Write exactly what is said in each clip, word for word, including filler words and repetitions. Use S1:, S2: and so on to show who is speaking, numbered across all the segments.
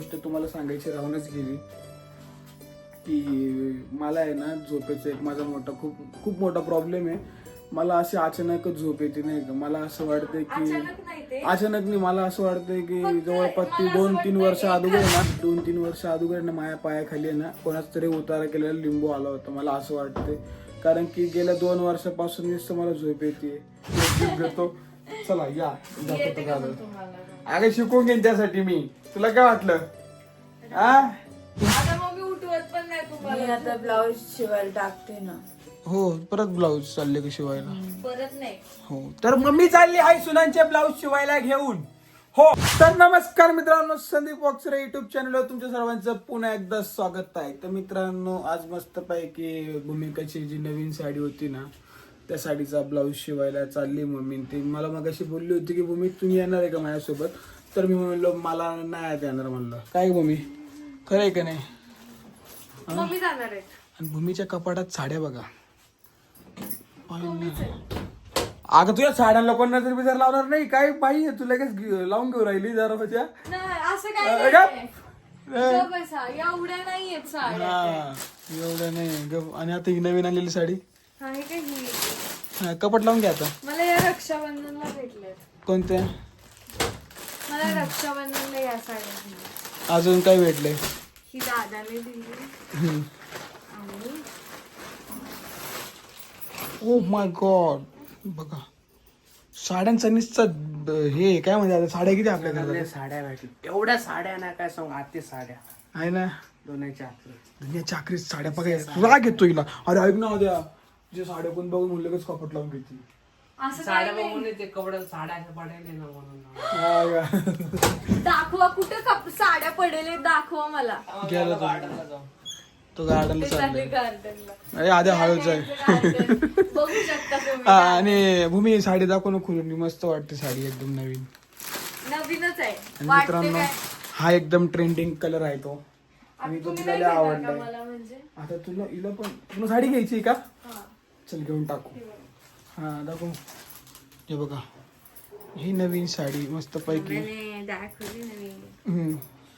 S1: तर तुम्हाला सांगायची राहूनच गेली की मला आहे ना झोपेचा एक माझा मोठा खूप खूप मोठा प्रॉब्लेम आहे. मला अशी अचानकच झोप येते नाही का. मला असं वाटतंय की अचानक नाही मला असं वाटतंय की जवळपास ती दोन तीन वर्ष अगोदर ना दोन तीन वर्ष अगोदर ना माझ्या पायाखाली आहे ना कोणाच तरी उतारा केलेला लिंबू आला होता. मला असं वाटतंय कारण की गेल्या दोन वर्षापासून नुसतं मला झोप येते. घेतो चला या दाखवतो का अगं शिकवून घेईन त्यासाठी मी. तुला काय वाटलं आ
S2: मी आता ब्लाऊज शिवायला टाकते ना.
S1: हो परत ब्लाऊज चालले की शिवायला.
S2: परत नाही
S1: हो तर मम्मी चालली आहे सुनांचे ब्लाऊज शिवायला घेऊन. हो तर नमस्कार मित्रांनो, संदीप बॉक्सर युट्यूब चॅनलवर तुमच्या सर्वांचं पुन्हा एकदा स्वागत आहे. तर मित्रांनो आज मस्त पैकी भूमिकाची जी नवीन साडी होती ना त्या साडीचा ब्लाऊज शिवायला चालली मम्मी. ती मला मगाशी बोलली होती की भूमी तुम्ही येणार आहे का माझ्यासोबत. तर मी म्हणलो मला नाही येणार म्हणलं. काय भूमी खरं आहे का नाही.
S2: मम्मी जाणार आहे.
S1: आणि भूमीच्या कपाटात साड्या बघा. अगं तुझ्या साड्या लोकांना तरी बिजार लावणार नाही काय बाई. तू लगेच लावून घेऊ राहिली जरा होत्या
S2: असं काय एवढ्या नाहीयेत साड्या.
S1: एवढं नाही गप. आणि आता ही नवीन आलेली साडी
S2: आहे का ही.
S1: हा, कपाट लावून घ्या आता.
S2: मला या रक्षाबंधनला भेटले.
S1: कोणत्या
S2: मला रक्षाबंधनला या साड्या दिल्या.
S1: अजून काय भेटले.
S2: ही दादाने दिली
S1: हम्म.
S2: आणि
S1: ओ माय गॉड बघा साड्यांचा निश्चित हे काय म्हणजे आता साड्या किती आपल्या घरात
S3: साड्या भेटल्या एवढ्या साड्या ना काय सांग आते साड्या
S1: आहे ना.
S3: दोन्हीच्या आतल्या.
S1: दुनिया चाकरी साड्या बघा राग येतो हिला. अरे ऐक ना उद्या जे साड्या कोण बघून म्हणलं लगेच कपट लावून घेते.
S2: असं
S3: साड्या बघून ते कपडे साड्या पडायले ना म्हणून
S1: हा का?
S2: दाखवा कुठे कप साड्या पडेल दाखवा मला.
S1: गेला
S3: गार्डनला जाऊ.
S1: तो गार्डनला
S2: ते चालले
S1: चाललाय.
S2: गार्डनला.
S1: अरे आधी हळूच आहे.
S2: बघू शकता तुम्ही.
S1: हा, आणि भूमी साडी दाखव ना खुलून. मस्त वाटते साडी एकदम नवीन.
S2: नवीनच आहे
S1: आणि
S2: वाटते
S1: मित्रांनो
S2: काय.
S1: हा एकदम ट्रेंडिंग कलर आहे तो. आणि
S2: आता
S1: तो
S2: तुम्ही
S1: तुला
S2: नाही
S1: लय
S2: घेणार का
S1: आवडलाय.
S2: मला म्हणजे.
S1: आता तुला हिला पण तुला साडी घ्यायची का.
S2: हा.
S1: चल घेऊन टाकू. हा दाखव हे बघा ही नवीन साडी मस्त पैकी.
S2: नाही, दाखवली नाही.
S1: हम्म.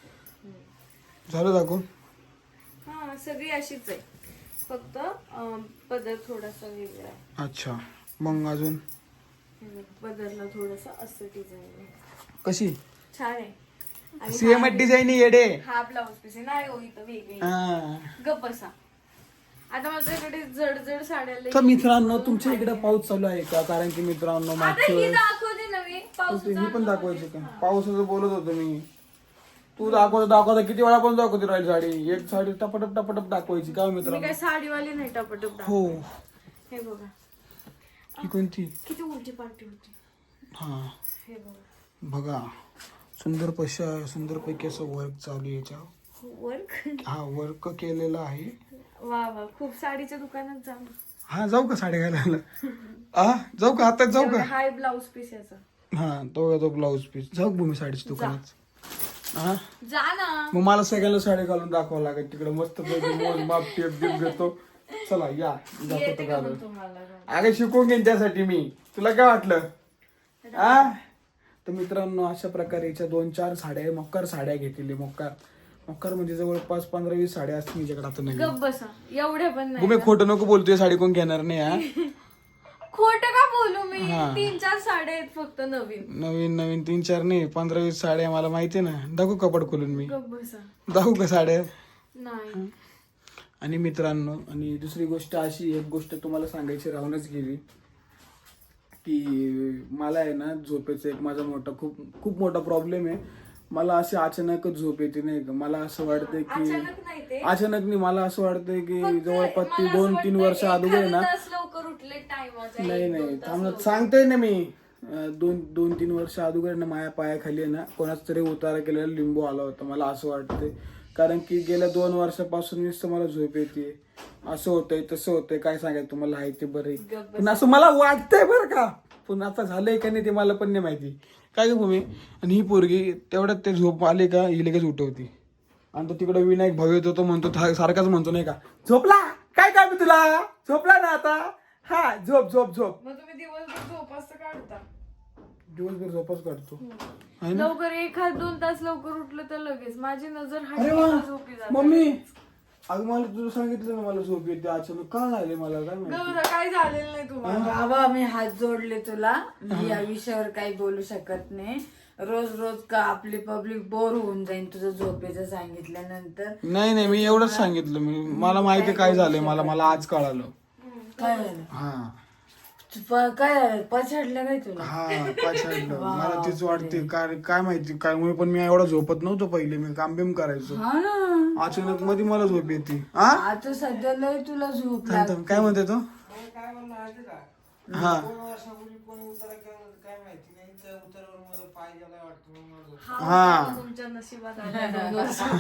S1: झालं दाखवून.
S2: हा सगळी अशीच आहे फक्त अं, पदर थोडासा वेगळा आहे.
S1: अच्छा मग अजून
S2: हे बघ, पदरला थोडस असं डिझाईन आहे.
S1: कशी
S2: छान आहे. आणि
S1: सेम
S2: हा-
S1: डिझाईन येडे.
S2: हा ब्लाऊज पीस आहे नाही हो इथं वेगळी आहे.
S1: हा.
S2: गप्प बसा. आता माझ्याकडे जड जड साड्या लई-
S1: तर मित्रांनो तुमच्या इकडे पाऊस चालू आहे का. कारण की मित्रांनो
S2: आता
S1: मागच्या
S2: ही
S1: वेळेस
S2: दाखवते नवी पाऊस
S1: ही पण दाखवायची का. पावसाचं बोलत होतो मी. तू दाखवता दाखवता किती वेळा पण दाखवते राहील साडी. एक साडी टपटप टपटप दाखवायची का
S2: मी
S1: मित्रांनो.
S2: काय साडीवाली नाही टपटप दाखव.
S1: हो
S2: हे बघा
S1: ही कोणती.
S2: किती उलटी पालटी होती.
S1: हा
S2: हे बघा
S1: बघा सुंदर पशा सुंदर पैकी असं वर्क चालू आहे याच्यावर.
S2: वर्क
S1: हा वर्क केलेलं आहे.
S2: वा वा खूप साडीच्या दुकानात जाऊ.
S1: हा जाऊ का साड्या घालायला. हा जाऊ का आता जाऊ का.
S2: हाय ब्लाऊज पीस याचा.
S1: हा तो तो ब्लाऊज पीस जाऊ भूमी साडीच्या दुकानात. हा
S2: जा ना.
S1: मग मला सगळ्यांना साडी घालून दाखवावं लागेल तिकडे मस्त पैकी मोज माप टेप टेप घेतो. चला या
S2: येते
S1: दाखवतो
S2: का
S1: घालून.
S2: मग तुम्हाला.
S1: अगं शिकवून घेईन त्यासाठी मी. तुला काय वाटलं आ. तर मित्रांनो अशा प्रकारे याच्या दोन चार साड्या मोक्कार साड्या घेतलेली. मोक्कार मोक्कार म्हणजे जवळपास पंधरा वीस साड्या असतील माझ्याकडे आता नवीन.
S2: गप्प बसा एवढ्या पण नाही.
S1: भूमी खोटं नको बोलतोय साडी कोण घेणार नाही. हा
S2: खोट का बोलू मी.
S1: हा.
S2: तीन चार साड्या आहेत फक्त नवीन.
S1: नवीन नवीन तीन चार नाही पंधरा वीस साड्या मला माहिती आहे ना. दाखवू कपड खोलून मी.
S2: गप्प बसा.
S1: दाखवू का साड्या.
S2: नाही
S1: आणि मित्रांनो आणि दुसरी गोष्ट अशी एक गोष्ट तुम्हाला सांगायची राहूनच गेली की मला आहे ना झोपेचा एक माझा मोठा खूप खूप मोठा प्रॉब्लेम आहे. मला अशी अचानकच झोप येते नाही का. मला असं वाटतंय की
S2: अचानक नाही ते
S1: अचानक नाही मला असं वाटतंय की
S2: फक्त
S1: जवळपास ती
S2: मला असं
S1: दोन तीन
S2: वाटतं
S1: वर्ष अगोदर
S2: एखादं
S1: ना
S2: तास लवकर उठले टाइमाचा.
S1: नाही नाही थांबत सांगतोय ना मी. अं, दोन दोन तीन वर्ष अगोदर ना माझ्या पायाखाली आहे ना कोणाच तरी उतारा केलेला लिंबू आला होता. मला असं वाटतंय कारण की गेल्या दोन वर्षापासून नुसतं मला झोप येते. असं होतंय तसं होतंय काय सांगायचं तुम्हाला आहे ते बरं. पण असं मला वाटतंय बरं का. पण आता झालंय का नाही ते मला पण नाही माहिती. काय ग भूमी. आणि ही पोरगी तेवढ्यात ते झोप आले का ही लगेच उठवती. आणि तो तिकडे विनायक भाऊ येतो तो म्हणतो सारखाच म्हणतो नाही का झोपला काय काय मी तुला झोपला ना आता. हा झोप झोप झोप.
S2: मग तुम्ही दिवसभर झोप असं काढता.
S1: दिवसभर झोपच काढतो आहे ना.
S2: लवकर एखाद दोन तास लवकर उठलं तर लगेच माझी नजर
S1: अरे
S2: हटली
S1: वा
S2: का झोपी जाते.
S1: मम्मी अगं मला तुला सांगितलं ना मला झोप येते अचानक का झाले मला काय माहिती.
S2: गौरा, काय झालेलं नाही तुम्हाला.
S4: बाबा मी हात जोडले तुला मी या विषयावर काही बोलू शकत नाही. रोज रोज का आपली पब्लिक बोर होऊन जाईल तुझं झोपेचं सांगितल्यानंतर.
S1: नाही नाही मी एवढंच सांगितलं मी मला माहिती काय झालंय मला मला आज कळालं.
S4: काय झालं
S1: हा
S4: तू प- काय झालं पछाडलं काय तुला.
S1: हा पछाडलं मला तीच वाटते काय काय माहिती काय मुळे पण मी एवढा झोपत नव्हतो पहिले मी काम बिम करायचो
S4: हा ना
S1: अचानक मध्ये मला झोप येते. हा
S4: आता सध्या लय तुला झोप
S1: थांब, थांब. काय म्हणते तो
S3: काय म्हणलं माहिती का
S1: हा
S3: दोन वर्षापूर्वी कोणी उतारा केला काय माहिती नाही त्या उतारावर मला पाय गेला वाटतं म्हणून मला झोप.
S2: हा
S1: हा.
S2: होता तुमच्या नशिबात आला दोन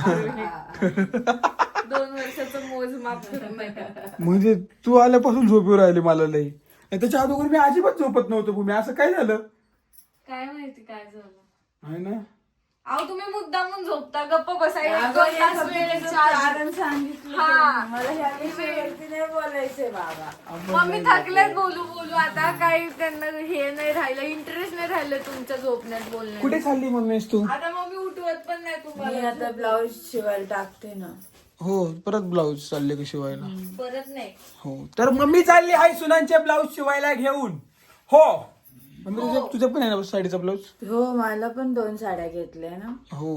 S2: वर्षापूर्वी. दोन वर्षाचं मोजमाप करून नका.
S1: म्हणजे तू आल्यापासून झोपी राहिली मला लई आणि त्याच्या अगोदर मी अजिबात झोपत नव्हतो भूमी असं काय झालं
S2: काय माहिती काय झालं.
S1: आहे ना.
S2: अहो तुम्ही मुद्दामून झोपता गप्प बसायला एक
S4: अगं,
S2: दोन
S4: या
S2: तास वेळ
S4: सगळ्याचं
S2: चार्ज.
S4: कारण सांगितलं
S2: हा.
S4: तुम्ही. मला ह्या विषयावरती नाही बोलायचंय बाबा.
S2: मम्मी थकल्यात बोलू बोलू आता काही त्यांना हे नाही राहिलं इंटरेस्ट नाही राहिलं तुमच्या झोपण्यात बोलण्यात.
S1: कुठे चालली मम्मीस तू
S2: आता मम्मी उठवत पण नाही
S4: मी
S2: तुम्हाला.
S4: आता ब्लाऊज शिवायला टाकते ना.
S1: हो परत ब्लाऊज चालले का शिवायला.
S2: परत नाही.
S1: हो तर मम्मी चालली आहे सुनांचे ब्लाऊज शिवायला घेऊन. हो मम्मी तुझ्या तुझ्या पण आहे ना साडीचा ब्लाऊज.
S4: हो मला पण दोन साड्या घेतल्या ना.
S1: हो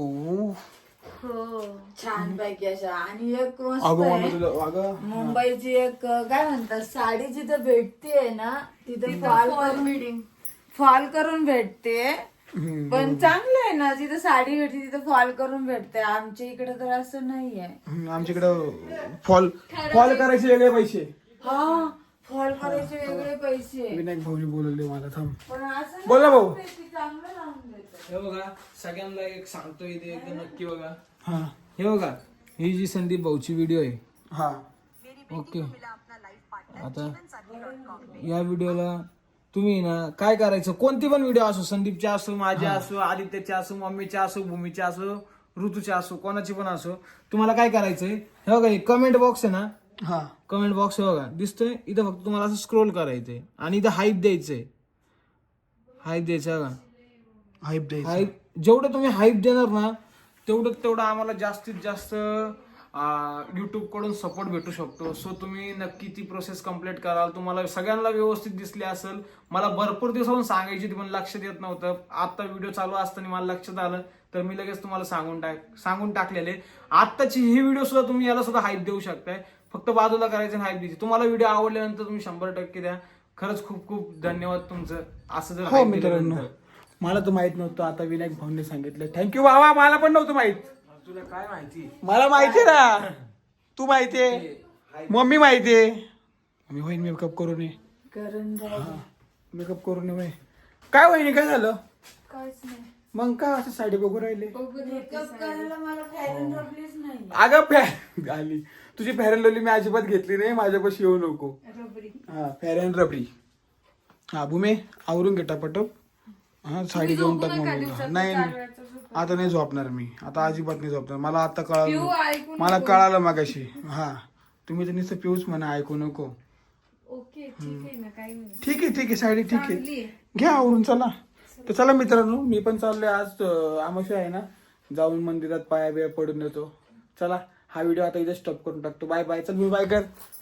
S2: हो
S4: छान पैकी अशा आणि एक मस्त
S1: अगं मम्मी
S4: आहे.
S1: तुला अगं
S4: मुंबईची एक काय म्हणतात साडी जिथं भेटते ना तिथं फॉल करून
S2: मीटिंग
S4: फॉल करून भेटते.
S1: हम्म.
S4: पण चांगलं आहे ना जिथं साडी भेटते तिथं फॉल करून भेटते. आमच्या इकडे तर असं नाहीये.
S1: हम्म, आमच्याकडं फॉल फॉल करायचे वेगळे पैसे.
S4: हा फॉल करायचे वेगळे पैसे
S1: विनायक भाऊनी बोलवले मला थांब.
S4: पण असं
S1: बोल ना भाऊ.
S4: नाही, ते चांगलं लावून देतात.
S5: हे बघा सगळ्यांना एक सांगतो इथे एकदम नक्की बघा.
S1: हा
S5: हे बघा ही जी संदीप भाऊची व्हिडिओ आहे
S1: हा
S5: ओके. आता या व्हिडिओला तुम्ही ना काय करायचं कोणती पण व्हिडिओ असो संदीपची असो माझी असो आदित्यची असो मम्मीची असो भूमीची असो ऋतूची असो कोणाची पण असो तुम्हाला काय करायचंय हे बघा कमेंट बॉक्स आहे ना
S1: हा
S5: कमेंट बॉक्स बघा दिसतोय इथं फक्त तुम्हाला असं स्क्रोल करायचंय आणि इथं हाईप द्यायचंय हाईप द्यायचं बघा
S1: हाईप द्यायचं.
S5: हाईप जेवढं तुम्ही हाईप देणार ना तेवढं तेवढं आम्हाला जास्तीत जास्त युट्यूब कडून सपोर्ट भेटू शकतो. सो तुम्ही नक्की ती प्रोसेस कम्प्लीट कराल. तुम्हाला सगळ्यांना व्यवस्थित दिसली असेल. मला भरपूर दिवसाहून सांगायची होती पण लक्षात येत नव्हतं. आता व्हिडिओ चालू असताना मला लक्षात आलं तर मी लगेच तुम्हाला सांगून टाक सांगून टाकलेले. आत्ताची ही व्हिडिओ सुद्धा तुम्ही याला सुद्धा हाईप देऊ शकताय. फक्त बाजूला करायचं हाईप द्यायची. तुम्हाला व्हिडिओ आवडल्यानंतर तुम्ही शंभर टक्के द्या. खरंच खूप खूप धन्यवाद तुमचं असं जर
S1: हो
S5: hype
S1: मित्रांनो
S5: दिल्यानंतर.
S1: मला तर माहित नव्हतं आता विनायक भाऊने सांगितलं. थँक्यू बाबा मला पण नव्हतं माहित.
S5: तुला काय माहिती
S1: मला माहितीये ना तू माहितीये मम्मी माहितीये. मी होईन मेकअप करून ये
S4: करून जाऊ.
S1: मेकअप करून ये होय. काय वहिनी काय झालं
S2: काहीच नाही.
S1: मग का असं साडी बघू राहिले.
S4: मेकअप करायला मला फॅरन रबलीच नाही.
S1: अगं फॅ आली तुझी फॅरन लवली मी अजिबात घेतली नाही. माझ्यापाशी येऊ नको.
S2: रबरी.
S1: हा फॅरन रबडी. हा भूमे आवरून घे टापटप. हा साडी घेऊन टाक मम्मीला. नाही नाही. आता नाही झोपणार मी आता अजिबात नाही झोपणार. मला आता
S2: पिऊ
S1: कळालं
S2: ऐकून
S1: मला कळालं मागाशी. हा तुम्ही तर नुसतं पिऊच म्हणा ऐकू नको.
S2: ओके ठीक आहे ना काही नाही.
S1: ठीक आहे ठीक आहे साडी ठीक
S2: चांगली
S1: आहे
S2: आहे.
S1: घ्या आवरून चला. तर चला मित्रांनो मी पण चाललोय आज आमोशा आहे ना जाऊन मंदिरात पाया बिया पडून येतो. चला हा व्हिडिओ आता इथे स्टॉप करून टाकतो. Bye bye. चल मी बाय कर.